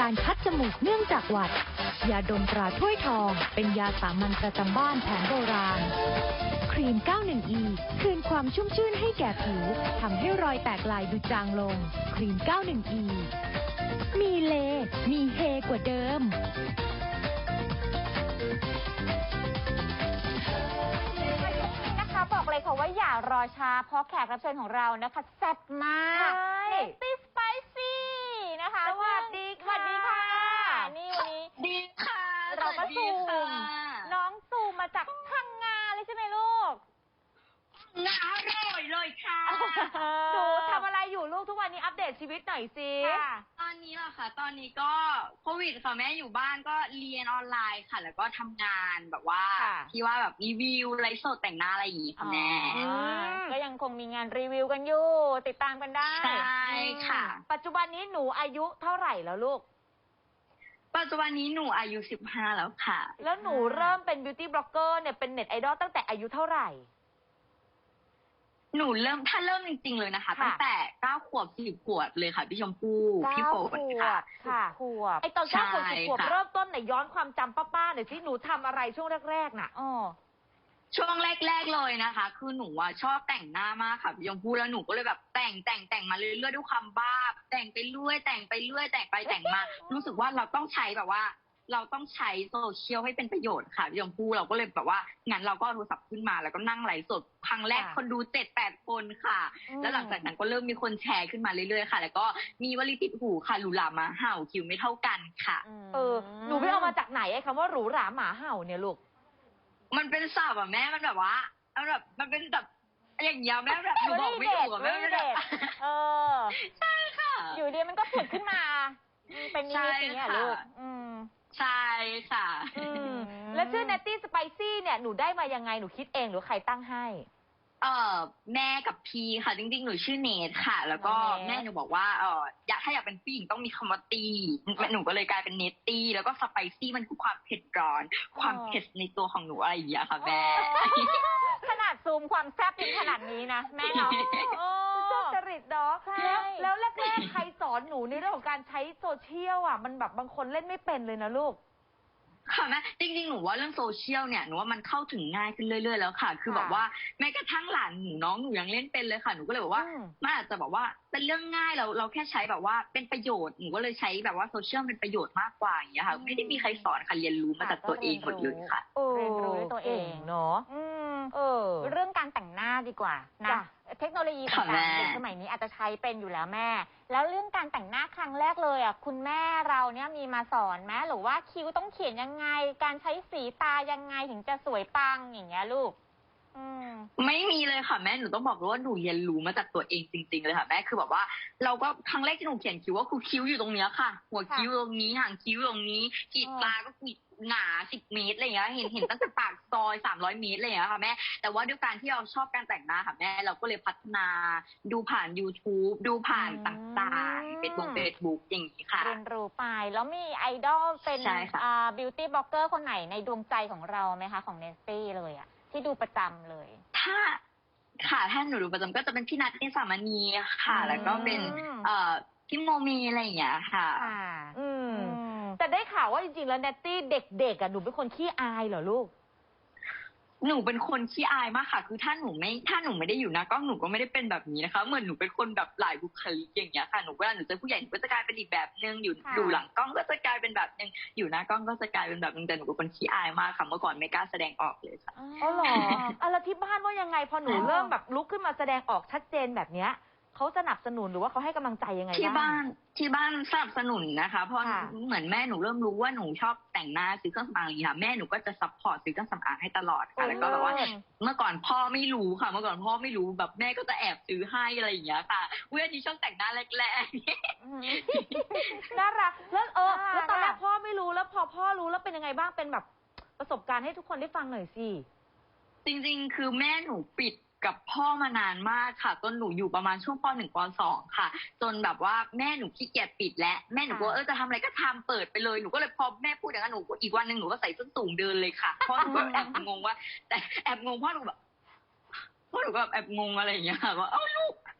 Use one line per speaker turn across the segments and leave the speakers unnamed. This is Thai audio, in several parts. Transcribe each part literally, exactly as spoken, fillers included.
การคัดจมูกเนื่องจากหวัดยาดมตราถ้วยทองเป็นยาสามัญประจำบ้านแผนโบราณครีม เก้าสิบเอ็ด อี คืนความชุ่มชื่นให้แก่ผิวทำให้รอยแตกลายดูจางลงครีม เก้าสิบเอ็ด อี มีเลมีเฮกว่าเดิม
บอกเลยค่ะว่าอย่ารอช้าเพราะแขกรับเชิญของเรานะคะแซ่บมากเนตตี้สไปซี่นะคะสวัสดีค่ะสวัสดีค่ะนี่วันนี้
ดีค่ะ
เราก็ซูมน้องซูมมาจากพังงาเลยใช่ไหมลูก
งาอร่อยเลยค่ะ
หนูทำอะไรอยู่ลูกทุกวันนี้อัปเดตชีวิตหน่อยสิ
ตอนนี้เหรอคะตอนนี้ก็โควิดค่ะแม่อยู่บ้านก็เรียนออนไลน์ค่ะแล้วก็ทำงานแบบว่าที่ว่าแบบรีวิวไลฟ์สดแต่งหน้าอะไรอย่างงี้ค่ะแม่
ก็ยังคงมีงานรีวิวกันอยู่ติดตามกันได้
ใช่ค่ะ
ปัจจุบันนี้หนูอายุเท่าไหร่แล้วลูก
ปัจจุบันนี้หนูอายุสิบห้าแล้วค่ะ
แล้วหนูเริ่มเป็นบิวตี้บล็อกเกอร์เนี่ยเป็นเน็ตไอดอลตั้งแต่อายุเท่าไหร่
หนูเริ่มถ้าเริ่มจริงๆเลยนะคะตั้งแต่เก้าขวบสิบขวบเลยค่ะพี่ชมพู่พี่โฟนค่ะ
ค่ะขวบไอตอนเก้าขวบสิบขวบเริ่มต้นไหนย้อนความจำป้าๆหน่อยสิหนูทำอะไรช่วงแรกๆน่ะอ๋อ
ช่วงแรกๆเลยนะคะคือหนูอ่ะชอบแต่งหน้ามากค่ะพี่ชมพู่แล้วหนูก็เลยแบบแต่งแต่งแต่งมาเรื่อยๆด้วยความบ้าแต่งไปเรื่อยแต่งไปเรื่อยแต่งไปแต่งมารู้สึกว่าเราต้องใช้แบบว่าเราต้องใช้โซเชียลให้เป็นประโยชน์ค่ะพี่ชมพู่เราก็เลยแบบว่างั้นเราก็โทรศัพท์ขึ้นมาแล้วก็นั่งไลฟ์สดครั้งแรกคนดูเจ็ดแปดคนค่ะแล้วหลังจากนั้นก็เริ่มมีคนแชร์ขึ้นมาเรื่อยๆค่ะแล้วก็มีวลีติดหูค่ะหรูหราหมาเห่าคิวไม่เท่ากันค่ะ
เออหนูไปเอามาจากไหนไอ้คำว่าหรูหราหมาเห่าเนี่ยลูก
มันเป็นศัพท์อ่ะแม่มันแบบว่ามันแบบมันเป็นแบบอย่างเงี้ยแม่แบบหนูบอกไม่ถูกอ่ะแม่ไม่ได้
เออ
ใช่ค่ะ
อยู่ดีมันก็ผุดขึ้นมาเป็นนิมิตอย่างเงี้ยลูก
ใช่ค่ะ
แล้วชื่อ Natty Spicy เนี่ยหนูได้มายังไงหนูคิดเองหรือใครตั้งให้
เออแม่กับพี่ค่ะจริงๆหนูชื่อเนทค่ะแล้วก็แม่หนูบอกว่าเอออยากถ้าอยากเป็นผู้หญิงต้องมีคำว่าตีหนูก็เลยกลายเป็นเนตตี้แล้วก็สไปซี่มันคือความเผ็ดร้อนความเผ็ดในตัวของหนูอะไรอย่างเงี้ยค่ะแม่
ขนาดซูมความแซ่บยังขนาดนี้นะแม่เนาะชอบจริตดอกแล้วแล้วแรกๆใครสอนหนูในเรื่องของการใช้โซเชียลอ่ะมันแบบบางคนเล่นไม่เป็นเลยนะลูก
ค่ะแม่จริงๆหนูว่าเรื่องโซเชียลเนี่ยหนูว่ามันเข้าถึงง่ายขึ้นเรื่อยๆแล้วค่ะคือแบบว่าแม้กระทั่งหลานหนูน้องหนูยังเล่นเป็นเลยค่ะหนูก็เลยบอกว่ามันอาจจะแบบว่าเป็นเรื่องง่ายเราเราแค่ใช้แบบว่าเป็นประโยชน์หนูก็เลยใช้แบบว่าโซเชียลเป็นประโยชน์มากกว่าอย่างเงี้ยค่ะไม่ได้มีใครสอนค่ะเรียนรู้มาจากตัวเองหมดเลยค่ะ
เรียนรู้ด้วยตัวเองเนาะเออเรื่องการแต่งหน้าดีกว่านะเทคโนโลยีต่างๆในสมัยนี้อาจจะใช้เป็นอยู่แล้วแม่แล้วเรื่องการแต่งหน้าครั้งแรกเลยอ่ะคุณแม่เราเนี่ยมีมาสอนไหมหรือว่าคิ้วต้องเขียนยังไงการใช้สีตายังไงถึงจะสวยปังอย่างเงี้ยลูก
ไม่มีเลยค่ะแม่หนูต้องบอกเลยว่าหนูเรียนรู้มาจากตัวเองจริงๆเลยค่ะแม่คือแบบว่าเราก็ครั้งแรกที่หนูเขียนคิ้วว่าคือคิ้วอยู่ตรงเนี้ยค่ะหัวคิ้วตรงนี้หางคิ้วตรงนี้ขีดตาก็ขีดหนาสิบเมตรอะไรอย่างเงี้ยเห็นเห็นตั้งแต่ปากซอยสามร้อยเมตรอะไรอย่างเงี้ยค่ะแม่แต่ว่าด้วยการที่เราชอบการแต่งหน้าค่ะแม่เราก็เลยพัฒนาดูผ่าน YouTube ดูผ่านต่างๆเป็นบนเฟซบุ๊กอย่างนี้ค่ะ
เรียนรู้ไปแล้วมีไอดอลเป็นอ่าบิวตี้บล็อกเกอร์คนไหนในดวงใจของเราไหมคะของเนสตี้เลยอ่ะที่ดูประจำเลย
ถ้าค่ะถ้าหนูดูประจำก็จะเป็นพี่นัทนิสามณีค่ะแล้วก็เป็นเอ่อพี่โมเมอะไรอย่างเงี้ยค่ะ
อืมแต่ได้ข่าวว่าจริงๆแล้วเนตตี้เด็กๆอ่ะหนูเป็นคนขี้อายเหรอลูก
หนูเป็นคนขี้อายมากค่ะคือถ้าหนูไม่ถ้าหนูไม่ได้อยู่หน้ากล้องหนูก็ไม่ได้เป็นแบบนี้นะคะเหมือนหนูเป็นคนแบบหลายบุคลิกอย่างเงี้ยค่ะหนูเวลาหนูเจอผู้ใหญ่หนูก็จะกลายเป็นอีกแบบนึงอยู่อยู่หลังกล้องก็จะกลายเป็นแบบนึงอยู่หน้ากล้องก็จะกลายเป็นแบบนึงแต่หนูเป็นคนขี้อายมากค่ะเมื่อก่อนไม่กล้าแสดงออกเลยค่ะ
อ๋อเหรออ่ะแล้วที่บ้านว่ายังไงพอหนูเริ่มแบบลุกขึ้นมาแสดงออกชัดเจนแบบเนี้ยเขาสนับสนุนหรือว่าเขาให้กำลังใจยังไง
ที่บ้านที่บ้านสนับสนุนนะคะเพราะเหมือนแม่หนูเริ่มรู้ว่าหนูชอบแต่งหน้าซื้อเครื่องสำอางอย่างนี้ค่ะแม่หนูก็จะซัพพอร์ตซื้อเครื่องสำอางให้ตลอดค่ะแล้วก็แบบว่าเมื่อก่อนพ่อไม่รู้ค่ะเมื่อก่อนพ่อไม่รู้แบบแม่ก็จะแอบซื้อให้อะไรอย่างเงี้ยค่ะเว้ยนี่ชอบแต่งหน้าแรก
ๆน่ารักแล้วเออแล้วตอนแรกพ่อไม่รู้แล้วพอพ่อรู้แล้วเป็นยังไงบ้างเป็นแบบประสบการณ์ให้ทุกคนได้ฟังหน่อยสิ
จริงๆคือแม่หนูปิดกับพ่อมานานมากค่ะจนหนูอยู่ประมาณช่วงป.หนึ่ง ป.สอง ค่ะจนแบบว่าแม่หนูขี้เกียจปิดและแม่หนูก็เออจะทำอะไรก็ทำเปิดไปเลยหนูก็เลยพอแม่พูดอย่างนั้นหนูอีกวันหนึ่งหนูก็ใส่ส้นสูงเดินเลยค่ะพ่อหนูก็แอบงงว่าแต่แอบงงพ่อหนูแบบพ่อหนูก็แบบแอบงงอะไรอย่างเงี้ยค่ะว่าเอ้าลูกไม่ได้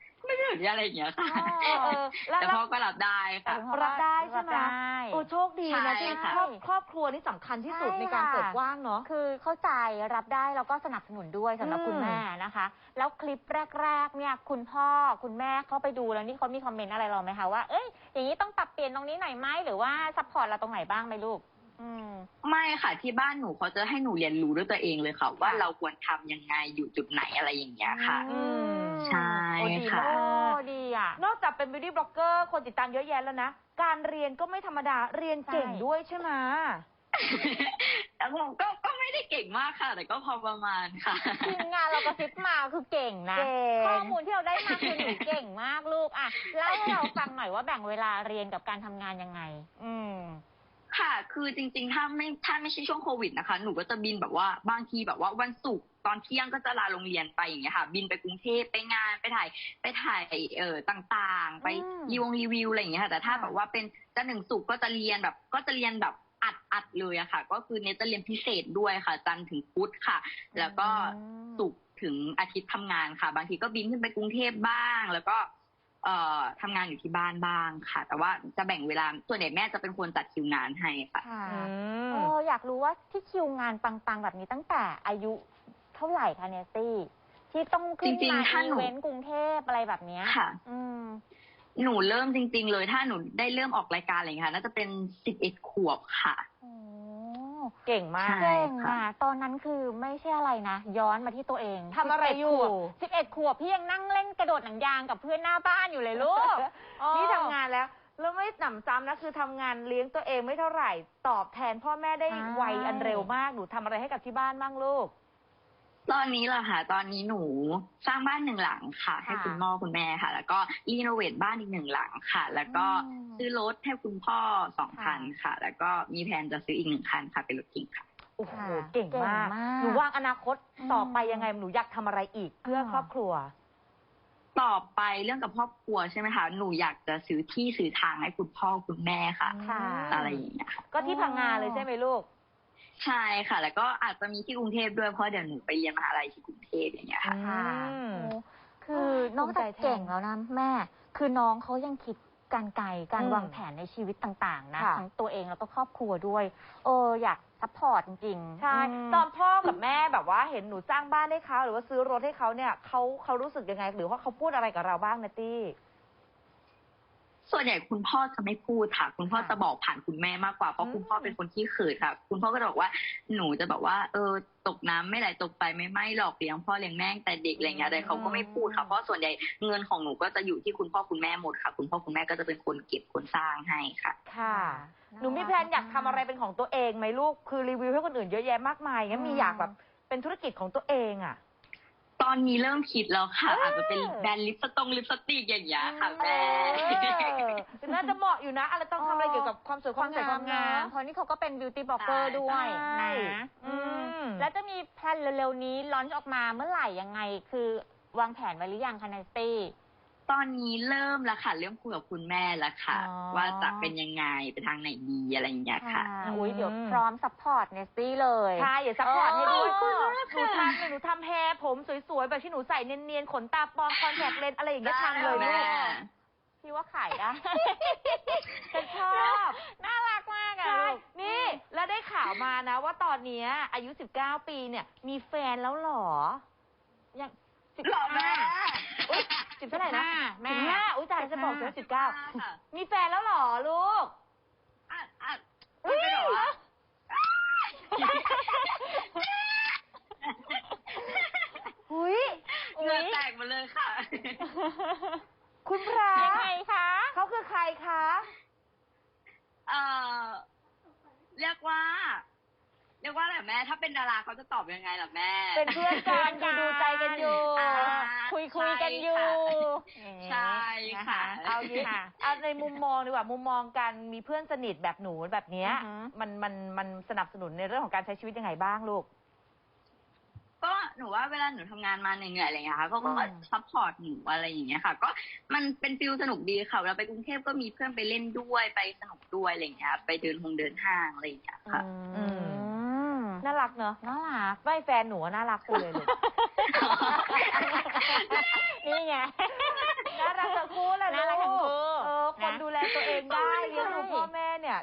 สุดอะไรอย่างเงี้ยค่ะ
เออแล้ว
แต่พ่อก็รับได้ค่ะ
รับได้ใช่ไหม
รับได้
โอ้โชคดีนะ
ใช่
ที่
ค่ะ
ครอบครอบครัวนี่สำคัญที่สุดในการเปิดกว้างเนาะ
คือเข้าใจรับได้แล้วก็สนับสนุนด้วยสำหรับ
อืม
คุณแม่นะคะ แล้วคลิปแรกๆเนี่ยคุณพ่อคุณแม่เข้าไปดูแล้วนี่เขามีคอมเมนต์อะไรเราไหมคะว่าเอ้ยอย่างนี้ต้องปรับเปลี่ยนตรงนี้หน่อยไหมหรือว่าซัพพอร์ตเราตรงไหนบ้างไหมลูก อืม
ไม่ค่ะที่บ้านหนูเขาจะให้หนูเรียนรู้ด้วยตัวเองเลยค่ะ ว่าเราควรทำยังไงอยู่จุดไหนอะไรอย่างเงี้ยค่ะ
อืม
ใช่
โอ้ดี
ค่ะ
มาก
โอ้ดีอ่ะ
นอกจากเป็น beauty blogger คนติดตามเยอะแยะแล้วนะ การเรียนก็ไม่ธรรมดา เรียนเก่ง
ใช่
ด้วยใช่ไหม
แล้วผมก็ก็ไม่ได้เก่งมากค่ะ แต่ก็พอประมาณค่ะ
ทีมงานเรากระซิบมาคือเก่งนะ
เก่ง
ข้อมูลที่เราได้มาคือหนูเก่งมากลูกอ่ะเล่าให้เราฟังหน่อยว่าแบ่งเวลาเรียนกับการทำงานยังไง อืม
ค่ะ คือจริงๆ ถ้าไม่ถ้าไม่ใช่ช่วงโควิดนะคะ หนูก็จะบินแบบว่าบางทีแบบว่าวันศุกร์ตอนเที่ยงก็จะลาโรงเรียนไปอย่างเงี้ยค่ะ บินไปกรุงเทพไปงานไปถ่ายไปถ่ายเอ่อต่างๆ ไป
อืม
รีวงรีวิวอะไรอย่างเงี้ยค่ะ แต่ถ้า
ค่ะ
แบบว่าเป็นจันทร์ถึงศุกร์ก็จะเรียนแบบก็จะเรียนแบบอัดอัดเลยอะค่ะ ก็คือเนตจะเรียนพิเศษด้วยค่ะ จันทร์ถึงพุธค่ะ แล้วก็ศุกร์ถึงอาทิตย์ทำงานค่ะ บางทีก็บินขึ้นไปกรุงเทพบ้าง แล้วก็ เอ่อทำงานอยู่ที่บ้านบ้างค่ะ แต่ว่าจะแบ่งเวลาส่วนใหญ่แม่จะเป็นคนจัดคิวงานให้ค่ะ
ค่ะ
อืม
โอ้อยากรู้ว่าที่คิวงานปังๆแบบนี้ตั้งแต่อายุเท่าไหร่คะเนตตี้ที่ต้องขึ้น
จริง
มา
ๆถ้า
อี
หนู
เวนต์กรุงเทพอะไรแบบเนี้ย
ค่ะ
อืม
หนูเริ่มจริง ๆ เลย ถ้าหนูได้เริ่มออกรายการอะไรอย่างเงี้ยค่ะน่าจะเป็นสิบเอ็ดขวบค่ะ
โอ้
เก่งมาก
ใช่
เก่งอ่ะตอนนั้นคือไม่ใช่อะไรนะ ย้อนมาที่ตัวเอง
ทำอะไรอยู่
สิบเอ็ดขวบพี่ยังนั่งเล่นกระโดดหนังยางกับเพื่อนหน้าบ้านอยู่เลยลูกอ๋อ
นี่ทำงานแล้ว แล้วไม่หนำซ้ำนะ คือทำงานเลี้ยงตัวเองไม่เท่าไหร่ ตอบแทนพ่อแม่ได้
ใช่
ไวอันเร็วมาก หนูทำอะไรให้กับที่บ้านบ้างลูก
ตอนนี้เหรอคะตอนนี้หนูสร้างบ้านหนึ่งหลังค่ะ ให้คุณพ่อคุณแม่ค่ะ แล้วก็รีโนเวทบ้านอีกหนึ่งหลังค่ะ แล้วก็
อืม
ซื้อรถให้คุณพ่อสองคันค่ะ แล้วก็มีแผนจะซื้ออีกหนึ่งคันค่ะ เป็นรถเก๋งค่ะ
โอ้โห
ค่ะ
เก่งมาก
เก่งมาก
หนูวางอนาคต
อืม
ต่อไปยังไง หนูอยากทำอะไรอีกเพื่อ
อ่า
ครอบครัว
ต่อไปเรื่องกับครอบครัวใช่ไหมคะ หนูอยากจะซื้อที่ซื้อทางให้คุณพ่อคุณแม่ค่ะ
ค่ะ
อะไรอย่างเงี้ยค่ะ
ก็ที่พังงาเลยใช่ไหมลูก
ใช่ค่ะ แล้วก็อาจจะมีที่กรุงเทพด้วยเพราะเดี๋ยวหนูไปเรียนมหาลัยที่กรุงเทพอย่างเงี้ยค่ะ
ค่ะ
อืม
โอ้คือนอกจากเก่งแล้วนะแม่ คือน้องเขายังคิดการไกลการ
อืม
วางแผนในชีวิตต่าง ๆ นะ
ค่ะ
ทั้งตัวเองแล้วก็ครอบครัวด้วย เอออยากซัพพอร์ตจริงๆ
ใช่
ม
ตอนพ่อกับแม่แบบว่าเห็นหนูสร้างบ้านให้เขาหรือว่าซื้อรถให้เขาเนี่ยเขาเขารู้สึกยังไง หรือว่าเขาพูดอะไรกับเราบ้างนะตี้
ส่วนใหญ่คุณพ่อจะไม่พูดค่ะ คุณพ่อ
ค่ะ
จะบอกผ่านคุณแม่มากกว่าเพ
อื
ราะ
ม
คุณพ่อเป็นคนที่เขินค่ะ คุณพ่อก็จะบอกว่าหนูจะแบบว่า เออ ตกน้ำไม่ไหลตกไฟไม่ไหม้หรอกเลี้ยงพ่อเลี้ยงแม่ตั้งแต่เด็กอะไรเงี้ยแต่เขาก็ไม่พูดค่ะเพราะส่วนใหญ่เงินของหนูก็จะอยู่ที่คุณพ่อคุณแม่หมดค่ะ คุณพ่อคุณแม่ก็จะเป็นคนเก็บคนสร้างให้ค่ะ
ค่ะ
น่า
หนูมีแพลนอยากทำอะไรเป็นของตัวเองไหมลูก คือรีวิวให้คนอื่นเยอะแยะมากมายงั้นมี
อืม
อยากแบบเป็นธุรกิจของตัวเองอ่ะ
ตอนนี้เริ่มคิดแล้วค่ะ
เอออ
อาจจะเป็นแบรนด์ลิปสตงลิปสติกอย่างเงี้ยค่ะแม่
เออน่าจะเหมาะอยู่นะอะไรต้องทำอะไรเกี่ยวกับความสวยความ ม
คาวสวยความ
งาง
าม มเพราะนี่เขาก็เป็นบิวตี้บล็อกเกอร์ด้วย
ใช่
นะ
อื
อื
ม
มแล้วจะมีแพลนเร็วๆนี้ลอนช์ออกมาเมื่อไหร่ยังไง คือวางแผนไว้หรือยังคะไนตี้
ตอนนี้เริ่มแล้วค่ะ เริ่มคุยกับคุณแม่แล้วค่ะ
อ๋อ
ว่าจะเป็นยังไงไปทางไหนดีอะไรอย่างเงี้ยค่ะ
ค่ะอุ้ย
อืม
เดี๋ยวพร้อมซัพพอร์ตเนสตี้เลย
ใช่อย่าซัพพอร์ตให้ด้วย
เออ
หนูทำเลยหนูทำแฮร์ผมสวยๆ แบบที่หนูใส่เนียนๆ ขนตาปลอมคอนแทคเลนส์อะไรอย่างเงี้ยทำเลย
ได้
ลู
แม่
ก
พี่ว่าขายได้
ฉันชอบ
น่ารักมากอะ
ใช่
ลูก
นี่ แล้วได้ข่าวมานะว่าตอนเนี้ยอายุ สิบเก้า ปีเนี่ย มีแฟนแล้วเหรอ
ยังสิบ
หล่อแม่
อุ๊ยสิบเท่าไหร่นะ
แม่
สิบห้าอุ้ยตายจะบอกเธอสิบเก้า
ค่ะ
มีแฟนแล้วเหรอลูก
อ่ะอ่ะ
อุ๊ย
มันเป็นแบบว่า
หุย
เหงื่อแตกหมาเลยค่ะ
คุณพระ
ยังไงคะ
เขาคือใครคะ
เอ่อเรียกว่า เรียกว่าอะไรแม่ ถ้าเป็นดาราเขาจะตอบยังไงล่ะแม่
เป็นเพื่อนกันดูดูใจกันอยู่
อ่า
คุยคุยกันอยู่
ใช่ค่ะ
น
เอางี้
ค่ะ
เอาในมุมมองดีกว่ามุมมองการมีเพื่อนสนิทแบบหนูแบบเนี้ย
อือฮึ
มันมันมันสนับสนุนในเรื่องของการใช้ชีวิตยังไงบ้างลูก
ก็หนูว่าเวลาหนูทำงานมาเหนื่อยๆอะไรอย่างเงี้ยค่ะเขาก็
อืม
ซัพพอร์ตหนูอะไรอย่างเงี้ยค่ะ ก็มันเป็นฟิลสนุกดีค่ะเวลาไปกรุงเทพก็มีเพื่อนไปเล่นด้วยไปสนุกด้วยอะไรอย่างเงี้ย ไปเดินหงเดินห้างอะไรอย่างเงี้ยค่ะ
อื
ม
น่ารักเนอะ
น่ารัก
ไม่แฟนหนูอะน่ารักสุดเลยลูก
นี่ไง
น่ารั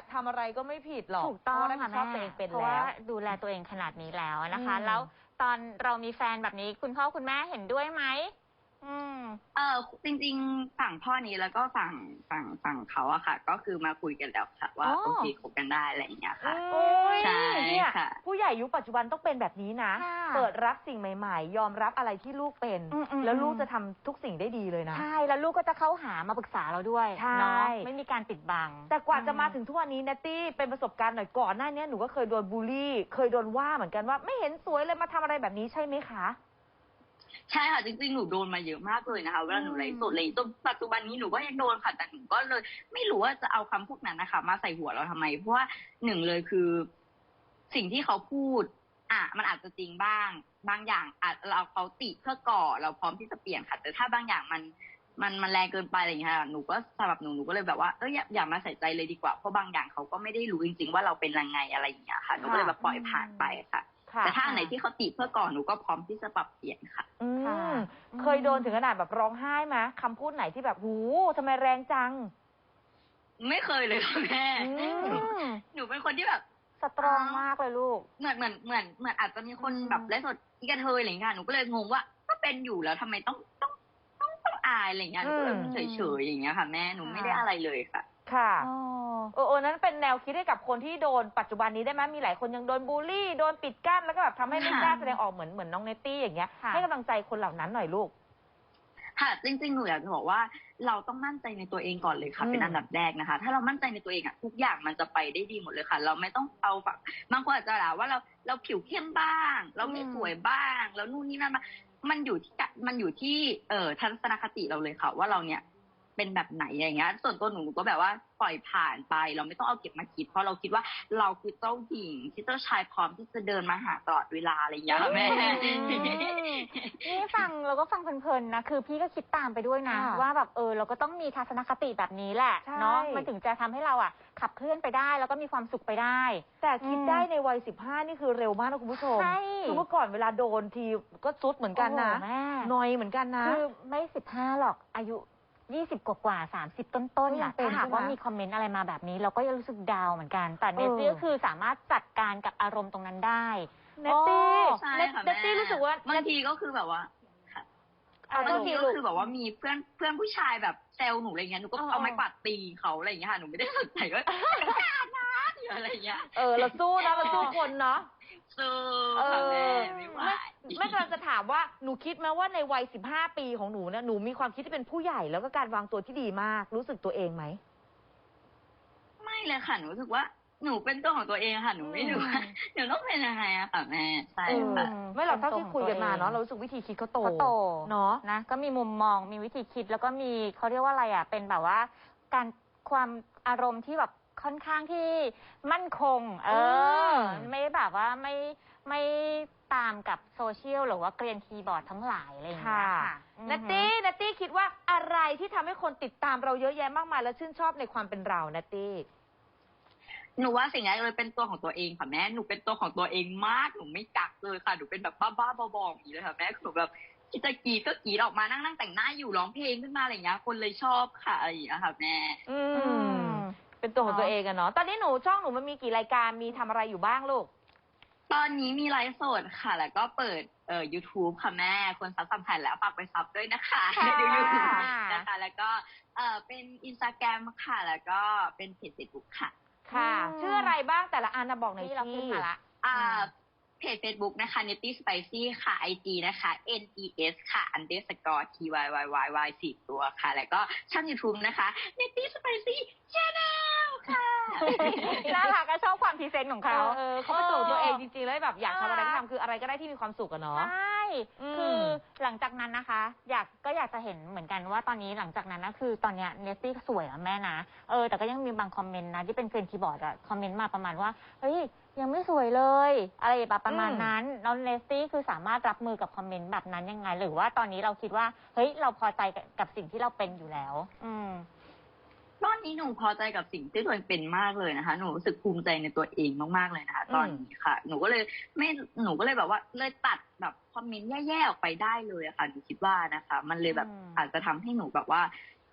ทำอะไรก็ไม่ผิดหรอก
ถูกต้อง
เพราะว่ารับผิดชอบตัวเองเป็น
เพราะ
แล้
ว่าว ดูแลตัวเองขนาดนี้แล้วนะคะ
อืม
แล้วตอนเรามีแฟนแบบนี้คุณพ่อคุณแม่เห็นด้วยไหมอืม
เออจริงๆฝั่งพ่อนี้แล้วก็ฝั่งฝั่งฝั่งเขาอะค่ะ ก็คือมาคุยกันแล้วค่ะ ว่า
อ๋อ
โอเคคบกันได้อะไรอย่างเงี้ยค่ะ
โอ้ย
ใช่
เนี่ย
ค่ะ
ผู้ใหญ่ยุคปัจจุบันต้องเป็นแบบนี้นะ
ค่ะ
เปิดรับสิ่งใหม่ๆ ยอมรับอะไรที่ลูกเป็น
อืมอืม
แล้วลูกจะทำทุกสิ่งได้ดีเลยนะ
ใช่ แล้วลูกก็จะเข้าหามาปรึกษาเราด้วย
ใช่
เนาะไม่มีการปิดบัง
แต่กว่าจะมาถึงทุกวันนี้นัตตี้เป็นประสบการณ์หน่อยก่อนหน้านี้หนูก็เคยโดนบูลลี่ เคยโดนว่าเหมือนกันว่าไม่เห็นสวยเลยมาทำอะไรแบบนี้ใช่ไหมคะ
ใช่ค่ะจริงๆหนูโดนมาเยอะมากเลยนะคะเวลาหนูไลฟ์สดเลยจนปัจจุบันนี้หนูก็ยังโดนค่ะแต่หนูก็เลย ไม่รู้ว่าจะเอาคำพูดนั้นนะคะ มาใส่หัวเราทำไมเพราะว่าหนึ่งเลยคือ สิ่งที่เขาพูด อ่ะมันอาจจะจริงบ้าง บางอย่างอาจเราเขาติเพื่อก่อเราพร้อมที่จะเปลี่ยนค่ะ แต่ถ้าบางอย่างมันมันมันแรงเกินไปอะไรอย่างเงี้ยค่ะหนูก็สำหรับหนูหนูก็เลยแบบว่าเอออย่าอย่ามาใส่ใจเลยดีกว่าเพราะบางอย่างเขาก็ไม่ได้รู้จริงๆว่าเราเป็นยังไงอะไรอย่างเงี้ยค่ะหนูก็เลยแบบปล่อยผ่านไปค่ะ
ค่ะ
แต่ถ้าอันไหนที่เขาติเพื่อก่อนหนูก็พร้อมที่จะปรับเปลี่ยนค่ะ
อื
ค่ะ
มเคยโดนถึงขนาดแบบร้องไห้ไหมคำพูดไหนที่แบบหูทำไมแรงจัง
ไม่เคยเลยค่ะแม่
อืม
หนูหนูเป็นคนที่แบบ
สตรองมากเลยลูก
เหมือนเหมือนเหมือนเหมือนอาจจะมีคน
อืม
แบบไลฟ์สดอีกระเทยอะไรอย่างเงี้ยหนูก็เลยงงว่าก็เป็นอยู่แล้วทำไมต้องต้องต้องต้องอายอะไรอย่างเงี้ยหนูก็เลย
อืม
เฉยๆอย่างเงี้ยค่ะแม่หนูไม่ได้อะไรเลยค่ะ
ค่ะ
อ๋อ
เออเออนั้นเป็นแนวคิดให้กับคนที่โดนปัจจุบันนี้ได้ไหมมีหลายคนยังโดนบูลลี่ โดนปิดกั้น แล้วก็แบบทำให้ไม่
ค่ะ
กล้าแสดงออกเหมือนเหมือนน้องเนตตี้อย่างเงี้ย
ค่ะ
ให้กำลังใจคนเหล่านั้นหน่อยลูก
ค่ะจริงๆหนูอยากจะบอกว่าเราต้องมั่นใจในตัวเองก่อนเลยค่ะ
อืม
เป็นอันดับแรกนะคะ ถ้าเรามั่นใจในตัวเองอะทุกอย่างมันจะไปได้ดีหมดเลยค่ะ เราไม่ต้องเอาแบบบางคนอาจจะด่าว่าเราเราผิวเข้มบ้าง เราไม่
อืม
สวยบ้าง แล้วนู่นนี่นั่นมามันอยู่ที่กะมันอยู่ที่เอ่อทัศนคติเราเลยค่ะ ว่าเราเนี่ยเป็นแบบไหนอย่างเงี้ย ส่วนตัวหนูหนูก็แบบว่าปล่อยผ่านไป เราไม่ต้องเอาเก็บมาคิด เพราะเราคิดว่าเราคือเจ้าหญิงที่เจ้าชายพร้อมที่จะเดินมาหาตลอดเวลาอะไรอย่างเงี้ยค่ะแม่
อืม นี่ฟังเราก็ฟังเพลินๆนะ คือพี่ก็คิดตามไปด้วยนะ
ค่ะ
ว่าแบบเออเราก็ต้องมีทัศนคติแบบนี้แหละ
ใช่
เนาะมันถึงจะทำให้เราอ่ะขับเคลื่อนไปได้แล้วก็มีความสุขไปได้
แต่คิด
อืม
ได้ในวัยสิบห้านี่คือเร็วมากนะคุณผู้ชม
ใช่
คือเมื่อก่อนเวลาโดนทีก็ซุดเหมือนกันนะ
โอ้โหแม่
นอยเหมือนกันนะ
คือไม่สิบห้าหรอกอายุยี่สิบกว่ากว่าสามสิบต้นๆ
ก็
น่ะ
ยังเป็น
ถ้าหากว่า
ใช่ไหม
มีคอมเมนต์อะไรมาแบบนี้ เราก็ยังรู้สึกดาวน์เหมือนกัน แต่เน
เออ
ซี่ก็คือสามารถจัดการกับอารมณ์ตรงนั้นได้
เนตตี้
ใช่
เนต
ค่ะ
เนตตี้
แม่
รู้สึกว่า
บางทีก็คือแบบว่า
อ่ะ
บา
ก็
งที
ที
ก็
ลูก
คือแบบว่ามีเพื่อนเพื่อนผู้ชายแบบแซวหนูอะไรเงี้ยหนูก็
เออ
เอาไม้กวาดตีเขาอะไรอย่างเงี้ยค่ะหนูไม่ได้สนใจว่านะหรืออะไรเงี้ย
เออเราสู้นะเราสู้คนเนาะ
สู้
เอ
ค่ะแม่
อ
ไม่ไหว
ไม่ไม่กำลังจะถามว่าหนูคิดไหมว่าในวัยสิบห้าปีของหนูเนี่ยหนูมีความคิดที่เป็นผู้ใหญ่แล้วก็การวางตัวที่ดีมาก รู้สึกตัวเองไหม
ไม่เลยค่ะหนูรู้สึกว่าหนูเป็นตัวของตัวเองค่ะหนูไม่รู้ว่าหนูต้องเป็นยังไงอะค่ะแม่ใช่
เออ
ค่ะ
ไม่หรอกเท่าที่คุยกันมาเนาะเรารู้สึกวิธีคิดเขาโต
เขาโต
เนาะ
นะก็มีมุมมองมีวิธีคิดแล้วก็มีเขาเรียกว่าอะไรอ่ะเป็นแบบว่า การความอารมณ์ที่แบบค่อนข้างที่มั่นคง เออ
ม
ไม่ได้แบบว่าไม่ไม่ตามกับโซเชียลหรือว่าเกรียนคีย์บอร์ดทั้งหลายอะไรอย่างเงี้ย
ค่ะ
ค่ะอือฮึ
นัตตี้นัตตี้คิดว่าอะไรที่ทำให้คนติดตามเราเยอะแยะมากมาย และชื่นชอบในความเป็นเรานัตตี้
หนูว่าสิ่งแรกเลยเป็นตัวของตัวเองค่ะแม่หนูเป็นตัวของตัวเองมากหนูไม่กักเลยค่ะหนูเป็นแบบบ้าๆบอๆอย่างนี้เลยค่ะแม่หนูแบบคิดจะกรีดก็กรีดออกมานั่งนั่งแต่งหน้าอยู่ร้องเพลงขึ้นมาอะไรอย่างเงี้ยคนเลยชอบค่ะอะไรอย่างเงี้ยค่ะแม่
อื
อื
ม
ม
เป็นตัวของตัวเองอะเนาะตอนนี้หนูช่องหนูมันมีกี่รายการมีทำอะไรอยู่บ้างลูก
ตอนนี้มีไลฟ์สดค่ะ แล้วก็เปิดเอ่อ YouTube ค่ะแม่ คนซับสัมพันธ์แล้วฝากไปซับด้วยนะคะ
ค่ะ
ดูยูทูบนะคะ แล้วก็เอ่อเป็นอินสตาแกรมค่ะ แล้วก็เป็นเพจเฟซบุ๊กค่ะ
ค่ะ
อืม
ชื่ออะไรบ้างแต่ละอันนะบอกหน่อย
ที่เราขึ้น
ที่
มาละ
อ่าเพจ Facebook นะคะ Netty Spicy ค่ะ ไอ จี นะคะ N E S ค่ะ underscore T Y Y Y Y สี่ตัวค่ะ แล้วก็ช่อง YouTube นะคะ Netty Spicy Channel ค่ะ
น่ารักก็ชอบความพรีเซนต์ของ
เอ
เขา
อเออเขาเป็นตัวของตัวเองจริงๆแล้วแบบอยากทำอะไรก็ทำคืออะไรก็ได้ที่มีความสุขอะเนาะ
ใช่
อืม
คือหลังจากนั้นนะคะ อยากก็อยากจะเห็นเหมือนกันว่าตอนนี้หลังจากนั้นนะคือตอนเนี้ยเนสตี้สวยแล้วแม่นะ เออแต่ก็ยังมีบางคอมเมนต์นะที่เป็นเกรียนคีย์บอร์ดอะคอมเมนต์มาประมาณว่า เฮ้ยยังไม่สวยเลย อะไรแบบประมาณนั้นแล้วเนสตี้คือสามารถรับมือกับคอมเมนต์แบบนั้นยังไง หรือว่าตอนนี้เราคิดว่า เฮ้ยเราพอใจกับกับสิ่งที่เราเป็นอยู่แล้ว อืม
ตอนนี้หนูพอใจกับสิ่งที่ตัวเองเป็นมากเลยนะคะ หนูรู้สึกภูมิใจในตัวเองมากๆเลยนะคะ ตอนนี้ค่ะ หนูก็เลยไม่หนูก็เลยแบบว่าเลยตัดแบบคอมเมนต์แย่ๆออกไปได้เลยอะค่ะหนูคิดว่านะคะ มันเลยแบบ
อืม
อาจจะทำให้หนูแบบว่า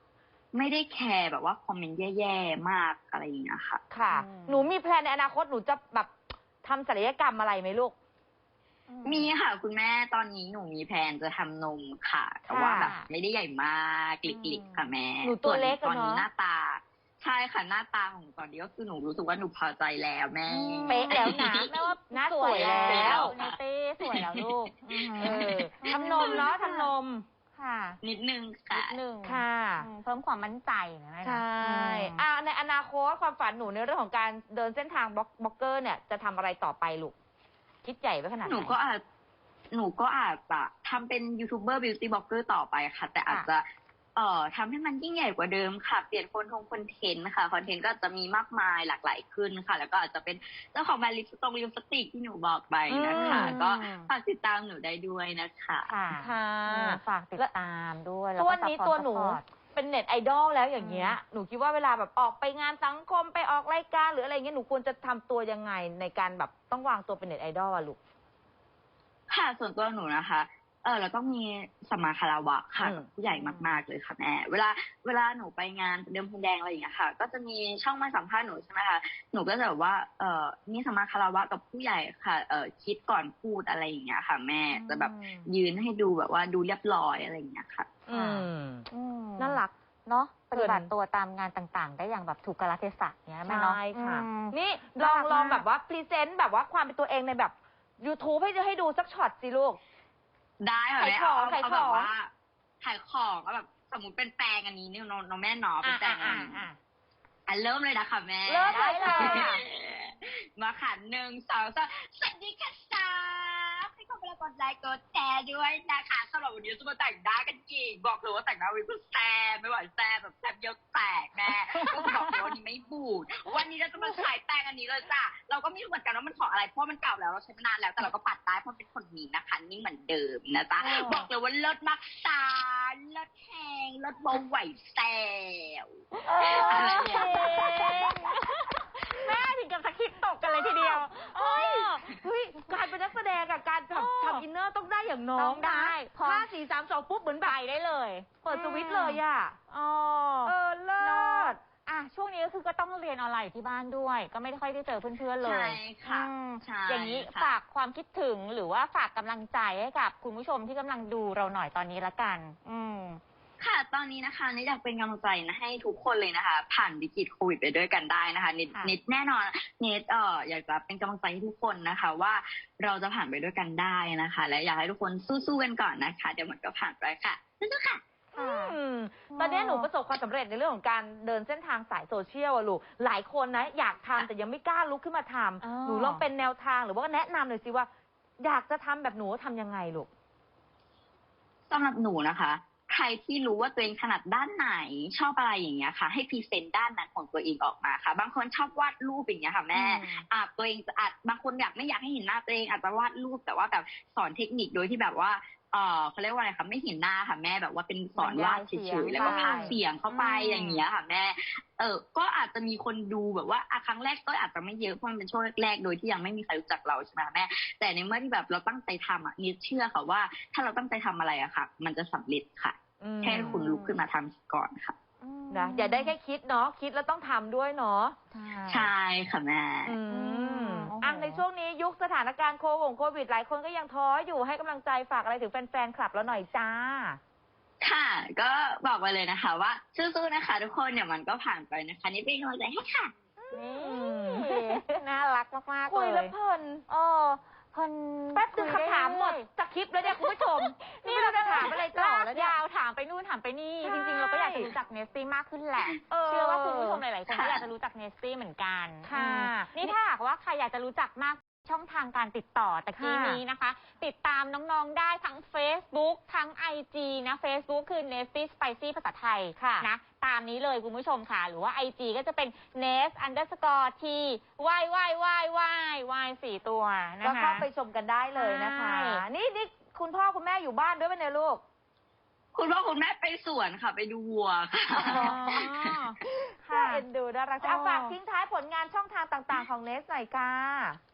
ไม่ได้แคร์แบบว่าคอมเมนต์แย่ๆมากอะไรอย่างเงี้ยค่ะ
ค่ะ
อืม
หนูมีแพลนในอนาคตหนูจะแบบทำศัลยกรรมอะไรไหมลูก
มีค่ะคุณแม่ตอนนี้หนูมีแผนจะทำนมค่ะ แต่ว่าแบบไม่ได้ใหญ่มากกลิกๆค่ะแม่
หนูตัวเล็ก
ส่นตอนนี้
อะเนอะ
หน้าตา ใช่ค่ะหน้าตาของหนูตอนนี้ก็คือหนูรู้สึกว่าหนูพอใจแล้วแม่
เป๊ะแล้วนะ
แม่ว่า
หน้า
ส
ส
ว
วย ย
แล้
แล้ว ว
เนเต้สวยแล้วลูก
เออทำนมเนาะทำนม
ค่ะ
นิดนึงค่ะ
นิดนึง
ค่ะ
อืมเพิ่มความมั่นใจนะแม่นะ
ใช่
อืม
อ่าในอนาคตความฝันหนูในเรื่องของการเดินเส้นทางบล็อกบล็อกเกอร์เนี่ยจะทำอะไรต่อไปลูก คิดใหญ่ไว้ขนาดไห
ห
น
นูก็อาจหนูก็อาจจะทำเป็นยูทูบเบอร์บิวตี้บล็อกเกอร์ต่อไปค่ะ แต่อาจจะเอ่อทำให้มันยิ่งใหญ่กว่าเดิมค่ะ เปลี่ยนคนทงคอนเทนต์ค่ะคอนเทนต์ก็จะมีมากมายหลากหลายขึ้นค่ะ แล้วก็อาจจะเป็นเจ้าของแบรนด์ลิปสตงลิปสติกที่หนูบอกไปนะคะ
อืม
ก็ฝากติดตามหนูได้ด้วยนะคะ
ค่ะ
ค่ะ
อืมฝากติดตามด้วยแล้
ตัว
ก็
วันนี้
ซัพพ
ตั
อ
ว
ร์ต
หนู
ซัพพอร์ต
เป็นเน็ตไอดอลแล้วอย่างเงี้ย หนูคิดว่าเวลาแบบออกไปงานสังคมไปออกรายการหรืออะไรเงี้ยหนูควรจะทำตัวยังไงในการแบบต้องวางตัวเป็นเน็ตไอดอลอะลูก
ค่ะส่วนตัวหนูนะคะ เออเราต้องมีสัมมาคารวะค่ะ
อืม
กับผู้ใหญ่มากๆเลยค่ะแม่เวลาเวลาหนูไปงานเดิมพรมแดงอะไรอย่างเงี้ยค่ะ ก็จะมีช่องมาสัมภาษณ์หนูใช่ไหมคะหนูก็จะแบบว่าเออมีสัมมาคารวะกับผู้ใหญ่ค่ะเออคิดก่อนพูดอะไรอย่างเงี้ยค่ะ แม่จะแบบยืนให้ดูแบบว่าดูเรียบร้อยอะไรอย่างเงี้ยค่ะ
อืม
อืม
น่ารัก
เนาะป
เกิน
ฏิบัติตัวตามงานต่างๆ ได้อย่างแบบถูกกาลเทศะเนี้ยแม่เนาะ
ใช่ค่ะ
อืม
นี่ลอง
น่ารัก
ลอง
มาก
แบบว่าพรีเซนต์แบบว่าความเป็นตัวเองในแบบ YouTube ให้ให้ดูสักช็อตสิลูก
ได้ค่ะ
ขาย
แม่
ของ
เอา
ขาย
เอา
ข
แบ
อง
บว่าขายของก็แบบสมมติเป็นแปลงอันนี้เนี่ยน้องน้องแม่เนาะเป็นแปลงอันนี้
อ่ะ
อ่ะเริ่มเลยนะคะแม่
เริ่มเลยค่ะ
มาค่ะหนึ่งสองสามสวัสดีค่ะสาวให้เข้าไปแล้วกดไลค์กดแชร์ด้วยนะคะสำหรับวันนี้จะมาแต่งหน้ากันอีกบอกเลยว่าแต่งหน้าวิปแซ่บไม่ไหวแซ่บแบบแซ่บเยอะแตกแน่ก็บอกเลยวันนี้ไม่บูดวันนี้เราจะมาขายแป้งอันนี้เลยจ้ะเราก็ไม่รู้เหมือนกันว่ามันของอะไรเพราะมันเก่าแล้วเราใช้มานานแล้วแต่เราก็ปัดได้เพราะเป็นคนนี้นะคะนี่เหมือนเดิมนะจ๊ะบอกเลยว่าเลิศมากสารเลิศแหงเลิศเบาไหวแซ่บ อะไรเนี่ย
แม่ถึงกับสคริปต์ตกกันเลยทีเดียว
เฮ้ยเฮ้ยการเป็นนักแสดงอะการ
เออ
ทำทำอินเนอร์ต้องได้อย่างน้อ
ต้
ง
องได้
นะ
พอ
ห้าสี่สามสองปุ๊บเหมือนแบ
ไป
บ
ได้เลย
เปิดสวิตช์เลยอะ
อ๋อ
เออเลิศ
อ่ะช่วงนี้ก็คือก็ต้องเรียนออนไลน์อยู่ที่บ้านด้วย ก็ไม่ค่อยได้เจอเพื่อนๆเลย
ใช่ค่ะ
อืม
ใช่
อย่างนี้
ค่ะ
ฝากความคิดถึงหรือว่าฝากกำลังใจให้กับคุณผู้ชมที่กำลังดูเราหน่อยตอนนี้ละกัน อืม
ค่ะ ตอนนี้นะคะนิดอยากเป็นกำลังใจนะให้ทุกคนเลยนะคะ ผ่านวิกฤตโควิดไปด้วยกันได้นะคะนิด
ค่ะ
นิดแน่นอนนิดเอ่ออยากจะเป็นกำลังใจให้ทุกคนนะคะ ว่าเราจะผ่านไปด้วยกันได้นะคะ และอยากให้ทุกคนสู้ๆกันก่อนนะคะ เดี๋ยวมันก็ผ่านไปค่ะสู้ๆค่ะ
ค่ะ
อืมตอนนี้หนูประสบความสำเร็จในเรื่องของการเดินเส้นทางสายโซเชียลอะลูก หลายคนนะอยากทำแต่ยังไม่กล้าลุกขึ้นมาท
อ๋อ
ำหนูลองเป็นแนวทางหรือว่าแนะนำหน่อยสิว่า อยากจะทำแบบหนูทำยังไงลูก
สำหรับหนูนะคะ ใครที่รู้ว่าตัวเองถนัดด้านไหนชอบอะไรอย่างเงี้ยค่ะ ให้พรีเซนต์ด้านนั้นของตัวเองออกมาค่ะ บางคนชอบวาดรูปอย่างเงี้ยค่ะแม่
อืม
อาจตัวเองจะอาจบางคนอยากไม่อยากให้เห็นหน้าตัวเองอาจจะวาดรูปแต่ว่าแบบสอนเทคนิคโดยที่แบบว่าเออเขาเรียกว่าอะไรคะไม่เห็นหน้าค่ะแม่แบบว่าเป็นสอนวาดเฉยๆแล้วก็พากย์เสียงเข้าไป
อืม
อย่างเงี้ยค่ะแม่ เออก็อาจจะมีคนดูแบบว่าอ่ะครั้งแรกก็อาจจะไม่เยอะเพราะมันเป็นช่วงแรกๆโดยที่ยังไม่มีใครรู้จักเราใช่ไหมคะแม่ แต่ในเมื่อที่แบบเราตั้งใจทำอ่ะนิดเชื่อค่ะว่า ถ้าเราตั้งใจทำอะไรอะค่ะ มันจะสำเร็จค่ะ
อืม
แค่คุณลุกขึ้นมาทำก่อนค่ะ
นะอย่าได้แค่คิดเนาะคิดแล้วต้องทำด้วยเนาะ
ใช่ค่ะแม่
อืม
โอ้โห
อ่ะในช่วงนี้ยุคสถานการณ์โควงโควิดหลายคนก็ยังท้ออยู่ให้กำลังใจฝากอะไรถึงแฟนๆคลับเราหน่อยจ้า
ค่ะ ก็บอกไปเลยนะคะว่าสู้ๆนะคะทุกคนเดี๋ยวมันก็ผ่านไปนะคะ นี่เป็นกำลังใจให้ค่ะ
นี่น่ารักมากๆ
คุ
เลย ย
แล้วเพลิน
เออเพลิน
แป๊บนึง
คุยได้
คำถามหมด
เรื่อย
สคริปต์แล้วเนี่ยคุณผู้ชม นี่เราจะถามอะไรต่อแล้วเนี่ย
ยาวถามไปนู่นถามไปนี่
ใช่
จริงๆ เราก็อยากจะรู้จักเนสตี้มากขึ้นแหละ
เออ
เชื่อว่าคุณผู้ชมหลายๆคนก็
ค่ะ
อยากจะรู้จักเนสตี้เหมือนกัน
ค่ะ
อืมนี่ถ้าหากว่าใครอยากจะรู้จักมากช่องทางการติดต่อตะกี้
ค่ะ
นี้นะคะ ติดตามน้องๆได้ทั้ง Facebook ทั้ง ไอ จี นะ Facebook คือ Nesty Spicy ภาษาไทย
ค่ะ
นะตามนี้เลยคุณผู้ชมค่ะ หรือว่า ไอ จี ก็จะเป็น Nest underscore t y y y y y สี่ตัวนะ
ก็
คะ
เข้าไปชมกันได้เลยนะคะ
ใช่
นี่นี่คุณพ่อคุณแม่อยู่บ้านด้วยไหมเนี่ยลูก
คุณพ่อคุณแม่ไปสวนค่ะ ไปดูวัวค่ะ
อ๋อ
น่า
ค่ะ
เอ็นดูน่ารัก
อ๋อ
เอาฝากทิ้งท้ายผลงานช่องทางต่างๆของเนสหน่อยค่ะ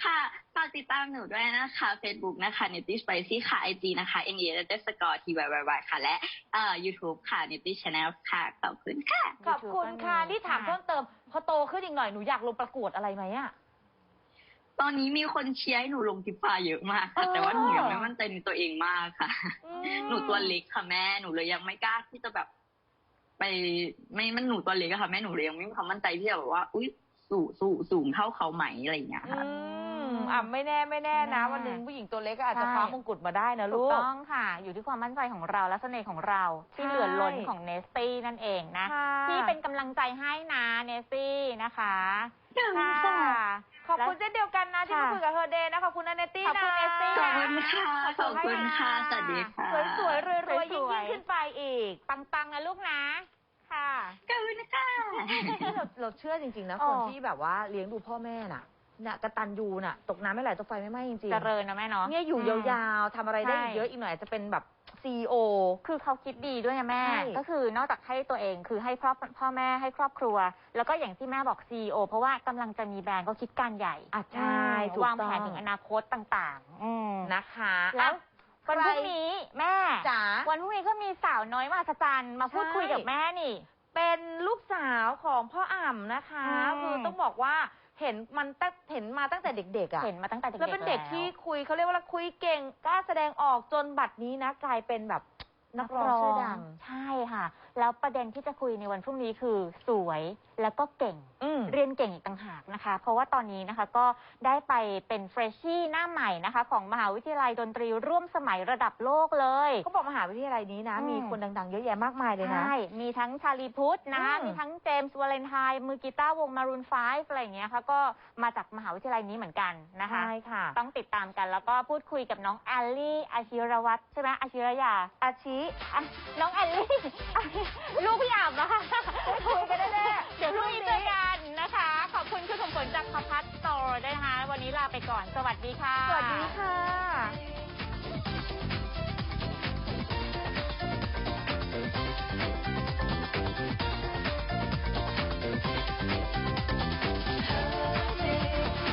ค่ะฝากติดตามหนูด้วยนะคะ Facebook นะคะ Nitty Spicy ค่ะ ไอ จี นะคะ N E T S C O R T Y Y Y ค่ะ และเอ่อ YouTube ค่ะ Nitty Channel ค่ะ ขอบคุณค่ะ
ขอบคุณค่ะ
YouTube
นี่ถาม
ค่ะ
เพิ่มเติม พอโตขึ้นอีกหน่อยหนูอยากลงประกวดอะไรไหมอะ
ตอนนี้มีคนเชียร์ให้หนูลงทิฟาเยอะมากค่ะ
เออ
แต่ว่าหนูยังไม่มั่นใจในตัวเองมากค่ะ
อืม
หนูตัวเล็กค่ะแม่ หนูเลยยังไม่กล้าที่จะแบบ ไปไม่มันหนูตัวเล็กอะค่ะแม่หนูเลยยังไม่มีความมั่นใจที่จะแบบว่า อุ้ยสูงสูงสูงเท่าเขาไหมอะไรอย่างเงี้ย
อื
ค่ะ
มอ่ะไม่แน่ไม่แน่นะ
ไม่แน่
วันหนึ่งผู้หญิงตัวเล็กก็อาจจะ
ใช่
คว้ามงกุฎมาได้นะ
ถู
ลู
ก
ก
ต้องค่ะ อยู่ที่ความมั่นใจของเราและเสน่ห์ของเรา ที่
ใช่
เหลือล้นของเนสตี้นั่นเองนะ
ค่ะ
ที่เป็นกำลังใจให้นะเนสตี้นะคะ
ค่ะ
ขอบคุณเช่นเดียวกันนะที่มา
ค่ะ
คุยกับเฮอเดย์นะขอบคุณนะเนตตี้
ขอบ
นะ
คุณเนสตี้
ขอบ
นะ
คุณค่ะ ขอบคุณค่ะ สวัสดีค่ะ
สวยๆรวยๆ
ส
ยิ่
วย
ง
ๆ
ๆขึ้นไปอีก
ปังๆนะลูกนะ ค่ะ
ขอบคุณค่ะ
เราเราเชื่อจริงๆนะ
อ๋อ
คนที่แบบว่าเลี้ยงดูพ่อแม่น่ะเนี่ยกตัญญูน่ะ ตกน้ำไม่ไหลตกไฟไม่ไหม้จริง
เจริญนะแม่เนาะ
เนี่ยอยู่ยาวๆทำอะไรได้
ใช่
อีกเยอะอีกหน่อยอาจจะเป็นแบบซีอีโอ
คือเขาคิดดีด้วยนะแม่
ใช่
ก็คือนอกจากให้ตัวเองคือให้ครอบพ่อแม่ให้ครอบครัว แล้วก็อย่างที่แม่บอก ซี อี โอ เพราะว่ากำลังจะมีแบรนด์ก็คิดการใหญ่
อ่ะใช่
อืม
ถูก
วาง
ต้อ
แผนถึงอนาคตต่างๆ อืม
นะคะ
แล้ว
อ่ะ
วันพรุ่งนี้แม่
จ๋า
วันพรุ่งนี้ก็มีสาวน้อยมหัศจรรย์มาพูด
ใช่
คุยกับแม่นี่
เป็นลูกสาวของพ่ออ่ำนะคะ
อืม
คือต้องบอกว่าเห็นมันตั้งเห็นมาตั้งแต่เด็กๆอ่ะ
เห็นมาตั้งแต่เด็กๆ
แล้วเป็นเด็กที่คุยเขาเรียกว่าคุยเก่งกล้าแสดงออกจนบัดนี้นะกลายเป็นแบบนักร้องชื่อดัง
ใช่ค่ะ แล้วประเด็นที่จะคุยในวันพรุ่งนี้คือสวยแล้วก็เก่ง
อืม
เรียนเก่งอีกต่างหากนะคะ เพราะว่าตอนนี้นะคะก็ได้ไปเป็นเฟรชชี่หน้าใหม่นะคะ ของมหาวิทยาลัยดนตรีร่วมสมัยระดับโลกเลย
เขาบอกมหาวิทยาลัยนี้นะ
อืม
มีคนดังๆ เยอะแยะมากมายเลยนะ
ใช่ มีทั้งชาลีพุทธนะคะ
อืม
มีทั้งเจมส์วาเลนไทน์มือกีตาร์วงมารูนไฟฟ์อะไรอย่างเงี้ยค่ะ ก็มาจากมหาวิทยาลัยนี้เหมือนกันนะคะ
ใช่ค่ะ
ต้องติดตามกันแล้วก็พูดคุยกับน้องแอลลี่อาชิรวัตรใช่ไหมอาชิรยา
อาชิ
อ่ะน้องแอลลี่ ลูกพี่อ่ำนะคะ
คุยกันแน่ๆ
เดี๋ยวพรุ่งนี้เจอกันนะคะ ขอบคุณคุณสมผลจากพพัฒน์โตด้วยนะคะ วันนี้ลาไปก่อน สวัสดีค่ะ
สวัสดีค่ะ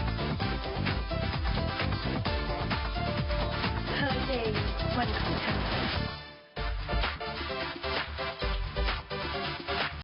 เธอเดย์วันของฉัน